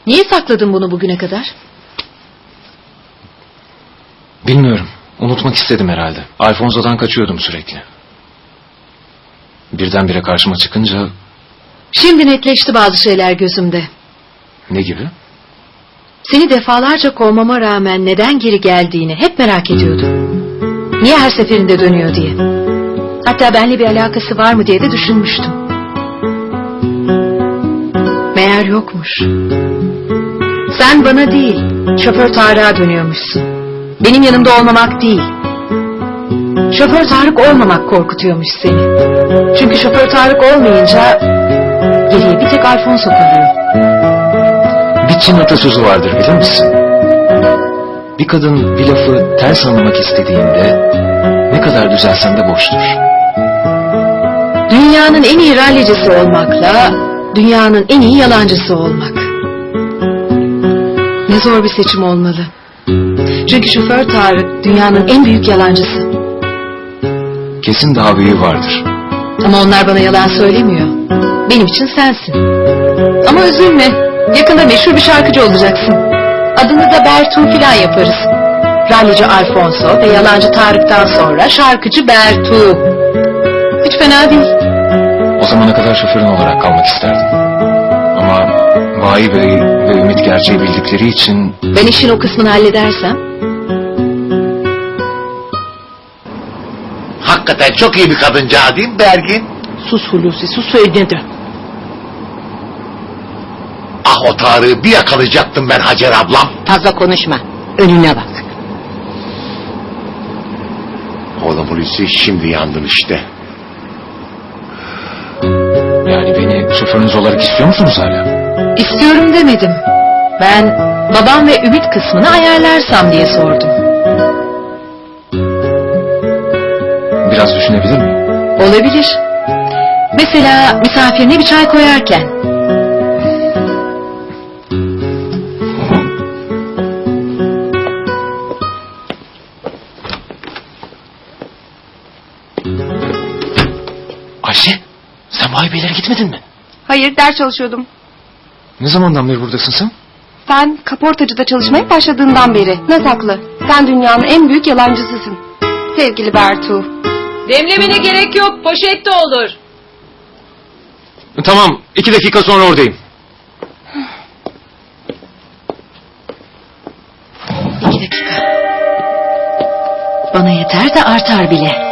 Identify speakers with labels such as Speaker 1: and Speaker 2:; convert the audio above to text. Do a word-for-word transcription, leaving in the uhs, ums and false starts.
Speaker 1: Niye sakladın bunu bugüne kadar?
Speaker 2: Bilmiyorum. Unutmak istedim herhalde. Alfonso'dan kaçıyordum sürekli. Birdenbire karşıma çıkınca...
Speaker 1: Şimdi netleşti bazı şeyler gözümde.
Speaker 2: Ne gibi?
Speaker 1: Seni defalarca kovmama rağmen neden geri geldiğini hep merak ediyordum. Niye her seferinde dönüyor diye. Hatta benimle bir alakası var mı diye de düşünmüştüm. Meğer yokmuş. Sen bana değil, şoför Tarık'a dönüyormuşsun. Benim yanımda olmamak değil. Şoför Tarık olmamak korkutuyormuş seni. Çünkü şoför Tarık olmayınca geriye bir tek Alfonso kalıyor.
Speaker 2: Bir Çin atasözü vardır, bilir misin? Bir kadın bir lafı ters anlamak istediğinde ne kadar düzelsen de boştur.
Speaker 1: Dünyanın en iyi rallicisi olmakla dünyanın en iyi yalancısı olmak. Ne zor bir seçim olmalı. Çünkü şoför Tarık dünyanın en büyük yalancısı.
Speaker 2: Kesin daha büyüğü vardır.
Speaker 1: Ama onlar bana yalan söylemiyor. Benim için sensin. Ama üzülme. Yakında meşhur bir şarkıcı olacaksın. Adını da Bertu filan yaparız. Rallici Alfonso ve yalancı Tarık'tan sonra şarkıcı Bertu. Hiç fena değil.
Speaker 2: O zamana kadar şoförün olarak kalmak isterdim. Ama Vahi Bey ve Ümit gerçeği bildikleri için...
Speaker 1: Ben işin o kısmını halledersem...
Speaker 3: Hakikaten çok iyi bir kadıncağız değil mi Bergin?
Speaker 4: Sus Hulusi, sus söyle de.
Speaker 3: Ah, o Tarık'ı bir yakalayacaktım ben Hacer ablam.
Speaker 4: Fazla konuşma, önüne bak.
Speaker 3: Oğlum Hulusi, şimdi yandın işte.
Speaker 2: Yani beni şoförünüz olarak istiyor musunuz hala?
Speaker 1: İstiyorum demedim. Ben babam ve Ümit kısmını ayarlarsam diye sordum.
Speaker 2: Biraz düşünebilir miyim?
Speaker 1: Olabilir. Mesela misafirine bir çay koyarken.
Speaker 2: Ayşe, sen Vahi Beylere gitmedin mi?
Speaker 5: Hayır, ders çalışıyordum.
Speaker 2: Ne zamandan beri buradasın sen?
Speaker 5: Sen kaportacıda çalışmaya başladığından beri. Ne saklı? Sen dünyanın en büyük yalancısısın. Sevgili Bertu.
Speaker 6: Demlemene gerek yok, poşette olur.
Speaker 2: Tamam, iki dakika sonra oradayım.
Speaker 1: İki dakika. Bana yeter de artar bile.